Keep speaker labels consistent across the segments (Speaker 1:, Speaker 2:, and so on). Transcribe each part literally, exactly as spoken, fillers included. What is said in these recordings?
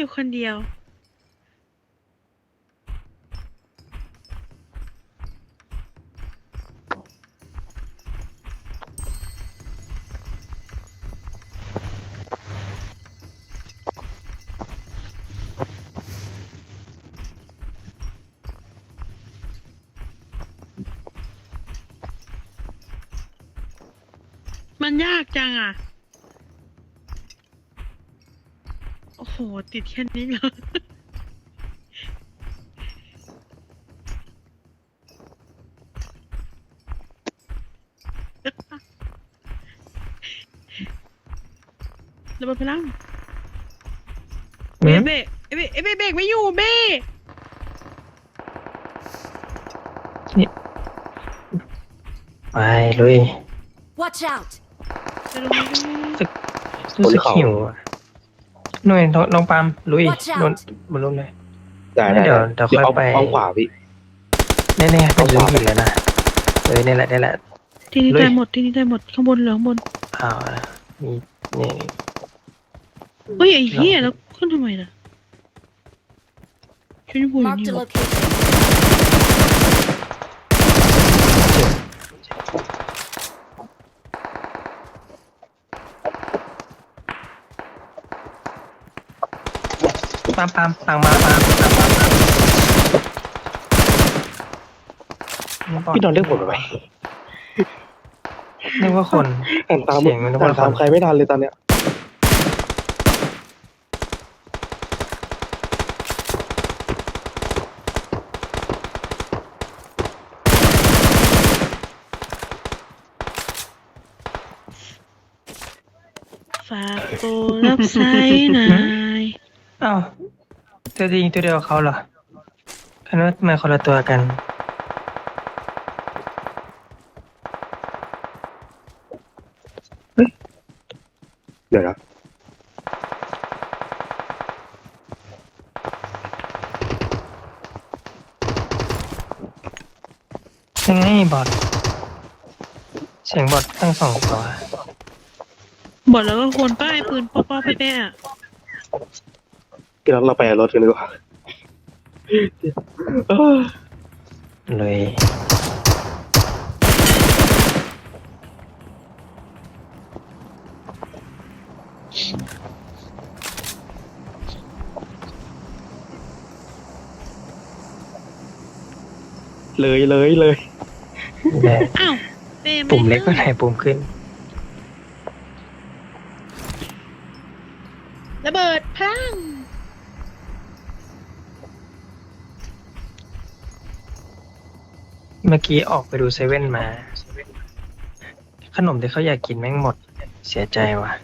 Speaker 1: อยู่คนเดียวมันยากจังอ่ะโอ้โหติดแค่นี้เหรอระเบิดพลังเบะเบะเอ้ยเบะเอ้ยเบะเบรกไม่อยู่เบะ
Speaker 2: ไปลุย
Speaker 3: Watch out!
Speaker 1: จะลงมาดู
Speaker 2: รู้สึกหิวอะหน่วยน้องน้องปาล์มลุย
Speaker 3: Watch out
Speaker 2: นนบนรุ่นเลย
Speaker 4: ได้ได้
Speaker 2: เดี๋ยวเดี๋ยวค่อย
Speaker 4: เอา
Speaker 2: ไป
Speaker 4: เอาขวาพี่
Speaker 2: แน่ๆเป็นลืมหินแล้วนะเอ้ยนี่แหละนี่แหละ
Speaker 1: ที่นี่
Speaker 2: ลุย
Speaker 1: ได้หมดที่นี่ได้หมดข้างบนเหลือข้างบน
Speaker 2: อ้าวมีนี่
Speaker 1: เฮ้ยไอ้เหี้ยแล้วขึ้นทำไมล่ะชุดยูบูอยู่
Speaker 3: Marked
Speaker 1: นี่
Speaker 3: a
Speaker 1: หรอ
Speaker 3: location.
Speaker 2: ปาล์มปาล์มต่างมาปาล์มต่างมาปาล์ม
Speaker 4: พี่นอนเรียกผมทำไม
Speaker 2: นึกว่าคน
Speaker 4: อ่านตาม
Speaker 2: เสียงมันนึก
Speaker 4: อ่า
Speaker 2: ว่าน
Speaker 4: ตาม
Speaker 2: คน
Speaker 4: ใครไม่ทันเลยตอนเนี้ย
Speaker 1: ฝากโปรรับใช้หน่อย
Speaker 2: อ้าวตัวจริงตัวเดียวกับเขาเหรอคันว่าทำไมคนละตัวกัน
Speaker 4: เดี๋ยวนะ
Speaker 2: ยังไงบอทเสียงบอททั้งสองตัว
Speaker 1: บอกแล้วว่าควรป้ายปืนป้อป้อแป้ๆอะ
Speaker 4: พี่เราเราไปเอารถกันดีกว่าเออ
Speaker 2: เลย
Speaker 4: เลยเลยเลย
Speaker 2: แหละ
Speaker 1: อ้าวเป้ไม่
Speaker 2: ปุ่มเล็กก็
Speaker 1: ได้
Speaker 2: ไหนปุ่มขึ้น
Speaker 1: ระเบิดพลัง
Speaker 2: เมื่อกี้ออกไปดูเซเว่นมา ขนมที่เขาอยากกินแม่งหมด เสียใจว่ะ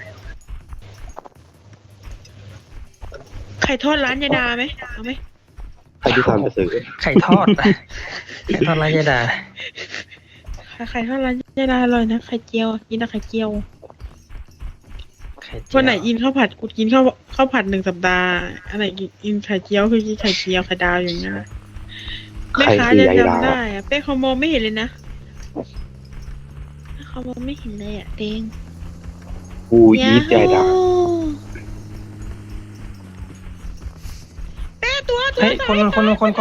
Speaker 1: ไข่ทอดร้านยายดาไหมเอาไหม
Speaker 4: ใครที่ทำไปซื้อ
Speaker 2: ไข่ทอด ไข่ทอดไรยดา
Speaker 1: ไข่ทอดร้านยายดาอร่อยนะไข่เจียวกินแต่ไข่เจียว
Speaker 2: ไข่เจียว
Speaker 1: วันไหนอินข้าวผัดกูกินข้าวข้าวผัดหนึ่งสัปดาห์อันไหนกินไข่เจียวคือกินไข่เจียวไข่ดาวอย่างเงี้ยแม่
Speaker 4: ใคร
Speaker 1: ค้า
Speaker 4: คือ
Speaker 1: จะ
Speaker 4: ยายดา
Speaker 1: จำได้อะเป้เขามองไม่เห็นเลยนะเขามองไม่เห็นเลยอะเต็ง
Speaker 4: กูยีดยายดา
Speaker 1: เป้ตัวตัว
Speaker 2: เฮ้ยคนคนคนคนคน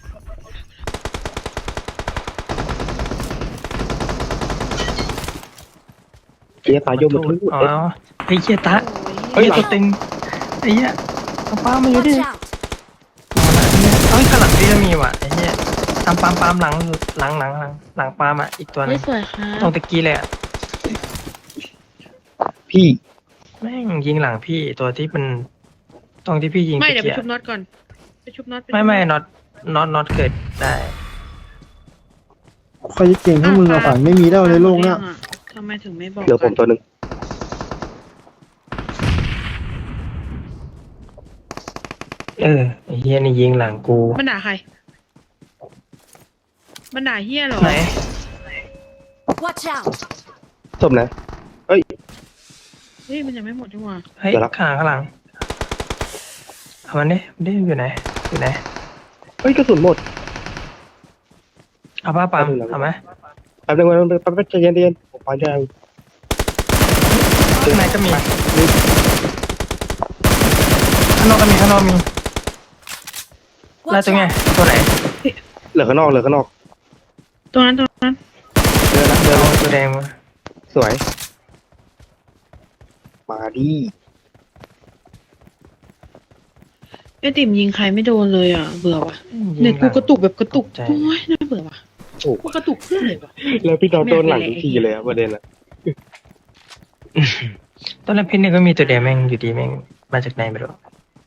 Speaker 4: เกียร์ตายยมมาทุก
Speaker 2: อ๋อไอ้เหี้ยตะ
Speaker 1: โอ้
Speaker 2: เฮ้
Speaker 1: ย
Speaker 2: ยตัวเต็งไอ้เหี้ยเอาป้ามาอยู่ดิ
Speaker 3: Watch out!
Speaker 2: เฮ้ยข้างหลังพี่จะมีว่ะไอ้เหี้ยตามปามปามหลังหลังหลังหลังหลังปามอ่ะอีกตัวหนึ
Speaker 1: ไม่
Speaker 2: ง
Speaker 1: สวยค่ะ
Speaker 2: ตรงตะกี้เลยอ่ะ
Speaker 4: พี่
Speaker 2: แม่งยิงหลังพี่ตัวที่มันตรงที่พี่ยิง
Speaker 1: ไม่
Speaker 2: ตะ
Speaker 1: เดี๋ยวไป
Speaker 2: กี้
Speaker 1: ชุบ
Speaker 2: อะ
Speaker 1: น็อตก่อนไปชุบน็อตป
Speaker 2: ไม่
Speaker 1: ชุบ
Speaker 2: ไม่
Speaker 1: น็อต
Speaker 2: น็อตน็อตน็อตเกิดได้
Speaker 5: ใครจะเก่งเท่ามึงอะฝันไม่มีแล้วในโลกเนี้ย
Speaker 1: ทำไมถึงไม่บอก
Speaker 4: เหลือผมตัวหนึ่ง
Speaker 2: เออไอ้เหี้ยนี่ยิงหลังกู
Speaker 1: มันด่าใครมันด่าเฮียเหรอ
Speaker 2: ไหน
Speaker 3: Watch out!
Speaker 4: สมนะเอ้ย
Speaker 1: เฮ้ยมันยังไม่หมดดีกว่า
Speaker 2: เฮ้ย
Speaker 4: เดี๋ยวละ
Speaker 2: ข้างข้างหลังเอามันดิมันดิอยู่ไหนอยู่ไหน
Speaker 4: เฮ้ยกระสุนหมด
Speaker 2: เอาป้าปามเอาไหม
Speaker 4: แป๊บนึงแป๊บนึงแป๊บนึงใจเย็นใจเย็นผมไปได้
Speaker 2: ข้างในก็มีข้างางนอกก็มีข้างนอกมีแล้ว
Speaker 3: Watch
Speaker 2: ตัวไง
Speaker 3: out!
Speaker 2: ตัวไหน
Speaker 4: เหลือข้างนอกเหลือข้างนอก
Speaker 1: ตรงนั้นตรงนั้น
Speaker 4: เดินละเดิน
Speaker 2: เอา
Speaker 4: ละ
Speaker 2: ตัวแดงมา
Speaker 4: สวย มาดิ
Speaker 1: ไอติ่มยิงใครไม่โดนเลยอ่ะเบื่อว่ะ
Speaker 2: ยิง
Speaker 1: เน็ต
Speaker 2: หลั
Speaker 1: กู
Speaker 2: ง
Speaker 1: กระตุกแบบกระตุก
Speaker 2: ตกใจ
Speaker 1: โอ้ยน่าเบื่อว่ะ
Speaker 4: โอ้
Speaker 1: กูกระตุกเพื่อนเลยว่ะ
Speaker 4: แล้วพี่นอนโดนหลังทุกทีเลยอะประเด็นอะ
Speaker 2: ตอนแรกพี่นี่ก็มีตัวแดงแม่งอยู่ดีแม่งมาจากไหนไม่รู้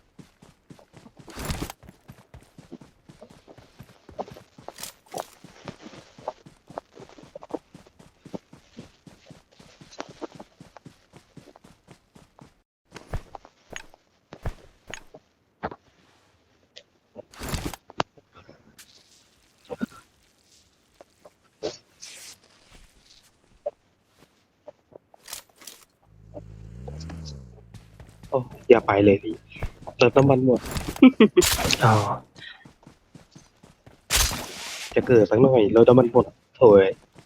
Speaker 4: โอ้อย่าไปเลยพี่เติมน้ำมันหมด
Speaker 2: อ๋อ
Speaker 4: จะเกิดสักหน่อยเราน้ำมันหมดโถย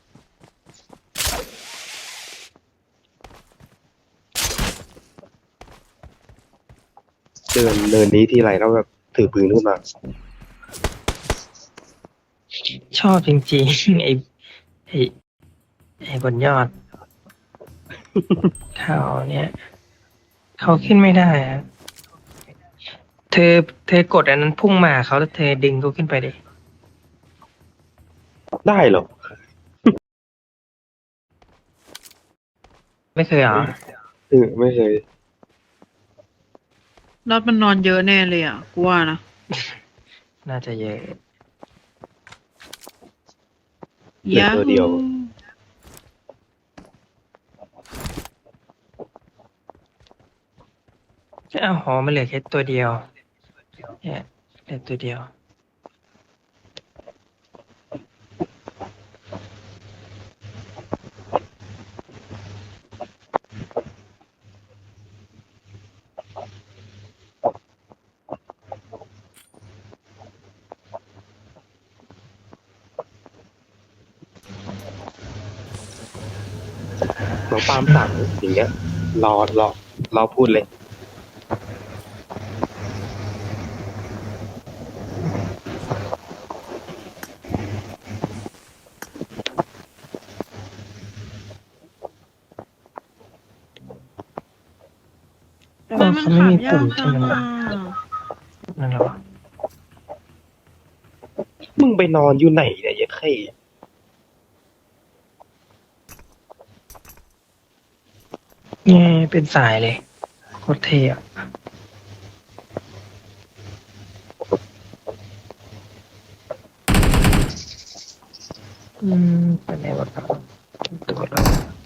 Speaker 4: เดินเดินนี้ทีไรแล้วแบบถือปืนขึ้นมา
Speaker 2: ชอบจริงๆ ไอ้ไอ้ไอ้บนยอด เขาเนี่ยเขาขึ้นไม่ได้อะเธอเธอกดอันนั้นพุ่งมาเขาแล้วเธอดึงเขาขึ้นไปดิ
Speaker 4: ได้เหรอ
Speaker 2: ไม่เคยเหรอ
Speaker 4: เออไม่เคย
Speaker 1: รอดมันนอนเยอะแน่เลยอ่ะกูว่านะ
Speaker 2: น่าจะเยอะ
Speaker 4: เหลือตัวเดียว
Speaker 2: อ้าวหอมันเหลือแค่ตัวเดียวเนี่ยเหลือตัวเดียว
Speaker 4: น้องปาล์มสั่งอย่างเงี้ย รอรอรอพูดเลย
Speaker 1: ทำไมมัน
Speaker 2: เขาไม่
Speaker 1: ขับ
Speaker 2: มี
Speaker 1: ยา
Speaker 2: ปุ่
Speaker 1: ก
Speaker 2: ม
Speaker 1: จั
Speaker 2: ใช่
Speaker 1: ง
Speaker 2: ไหม
Speaker 1: อ่ะ
Speaker 2: นั่นเหรอ
Speaker 4: มึงไปนอนอยู่ไหนเนี่ยยัดไข่
Speaker 2: เนี่ยเป็นสายเลยโคตรเท่อะอืมเป็นไงวะครับตัวเรา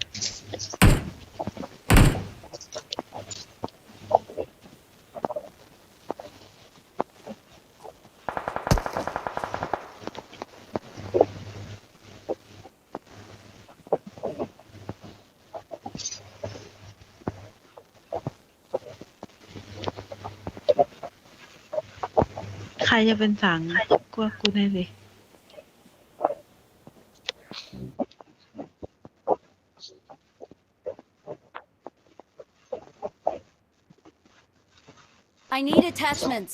Speaker 1: ใครจะเป็นสังกูว่ากูแน่เลย
Speaker 3: I need attachments.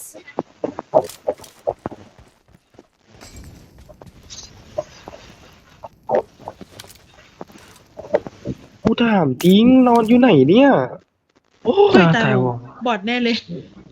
Speaker 4: กูถามจริงนอนอยู่ไหนเนี่ย โอ้
Speaker 1: เฮ้ย
Speaker 2: อ้าว
Speaker 1: ตาย
Speaker 2: ตายว
Speaker 1: ว
Speaker 2: ง
Speaker 1: บอดแน่เลย